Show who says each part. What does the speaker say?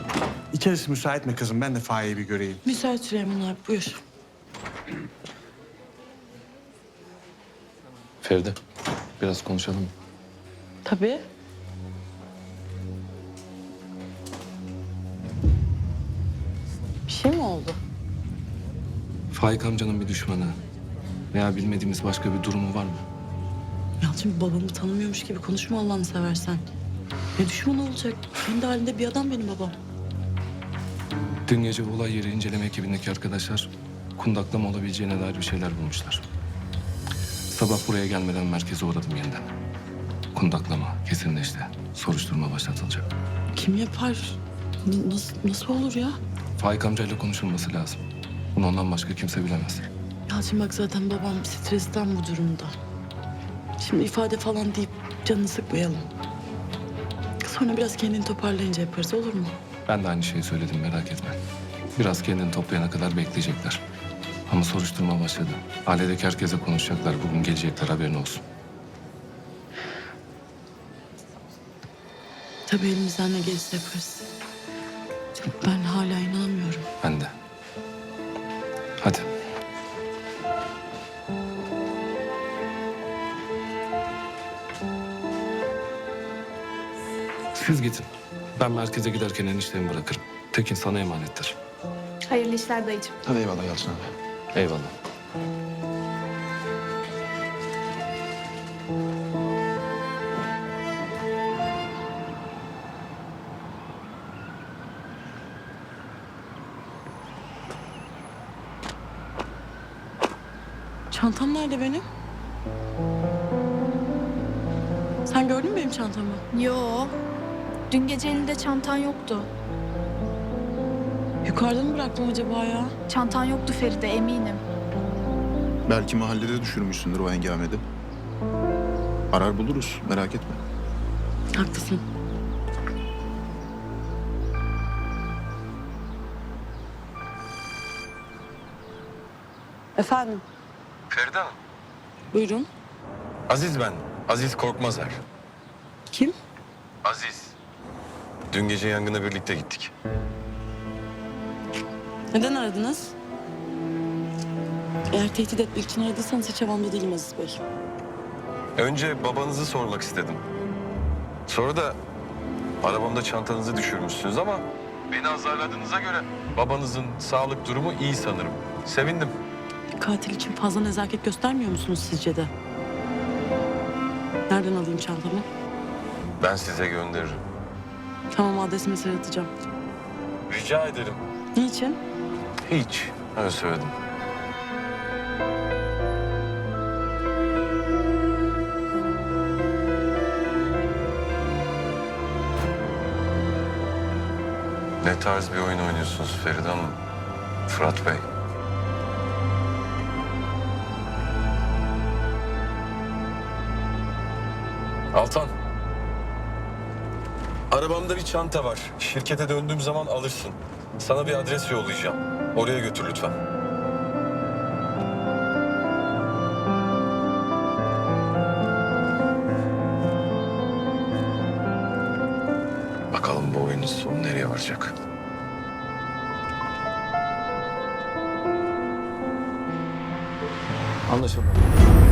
Speaker 1: İçerisi müsait mi kızım? Ben de Faik'i bir göreyim.
Speaker 2: Müsait Süleyman abi, buyur.
Speaker 3: Feride, biraz konuşalım mı?
Speaker 2: Tabii. Bir şey mi oldu?
Speaker 3: Faik amcanın bir düşmanı veya bilmediğimiz başka bir durumu var mı?
Speaker 2: Yalçın, babamı tanımıyormuş gibi konuşma Allah'ını seversen. Ne düşman olacak? Kendi halinde bir adam benim babam.
Speaker 3: Dün gece olay yeri inceleme ekibindeki arkadaşlar kundaklama olabileceğine dair bir şeyler bulmuşlar. Sabah buraya gelmeden merkeze uğradım yeniden. Kundaklama kesinleşti. Soruşturma başlatılacak.
Speaker 2: Kim yapar? Nasıl olur ya?
Speaker 3: Faik amcayla konuşulması lazım. Bunu ondan başka kimse bilemez.
Speaker 2: Yalçın bak, zaten babam stresten bu durumda. Şimdi ifade falan deyip canını sıkmayalım. Sonra biraz kendini toparlayınca yaparız, olur mu?
Speaker 3: Ben de aynı şeyi söyledim, merak etme. Biraz kendini toplayana kadar bekleyecekler. Ama soruşturma başladı. Ailedeki herkese konuşacaklar. Bugün gelecekler, haberin olsun.
Speaker 2: Tabii elimizden ne gelirse yaparız. Ben hala inanamıyorum.
Speaker 3: Ben de. Hadi. Siz gidin. Ben merkeze giderken eniştemi bırakırım. Tekin sana emanettir.
Speaker 4: Hayırlı işler dayıcığım.
Speaker 5: Hadi eyvallah Yalçın abi.
Speaker 3: Eyvallah.
Speaker 2: Çantam nerede benim? Sen gördün mü benim çantamı?
Speaker 4: Yo. Dün gece elinde çantan yoktu.
Speaker 2: Yukarıda mı bıraktım acaba ya?
Speaker 4: Çantan yoktu Feride, eminim.
Speaker 5: Belki mahallede düşürmüşsündür o hengamede. Arar buluruz, merak etme.
Speaker 2: Haklısın. Efendim,
Speaker 6: Feride Hanım.
Speaker 2: buyurun.
Speaker 6: Aziz ben. Aziz Korkmazer.
Speaker 2: Kim?
Speaker 6: Aziz. Dün gece yangına birlikte gittik.
Speaker 2: Neden aradınız? Eğer tehdit etmek için aradıysanız hiç havamda değilim Aziz Bey.
Speaker 6: Önce babanızı sormak istedim. Sonra da arabamda çantanızı düşürmüşsünüz ama beni azarladığınıza göre babanızın sağlık durumu iyi sanırım. Sevindim.
Speaker 2: Katil için fazla nezaket göstermiyor musunuz sizce de? Nereden alayım çantamı?
Speaker 6: Ben size gönderirim.
Speaker 2: Tamam, adresi mesaj atacağım.
Speaker 6: Rica ederim.
Speaker 2: Niçin?
Speaker 6: Hiç. Öyle söyledim. Ne tarz bir oyun oynuyorsunuz Feride Hanım? Fırat Bey. Altan. Arabamda bir çanta var. Şirkete döndüğüm zaman alırsın. Sana bir adres yollayacağım. Oraya götür lütfen. Bakalım bu oyunun sonu nereye varacak?
Speaker 3: Anlaşıldı.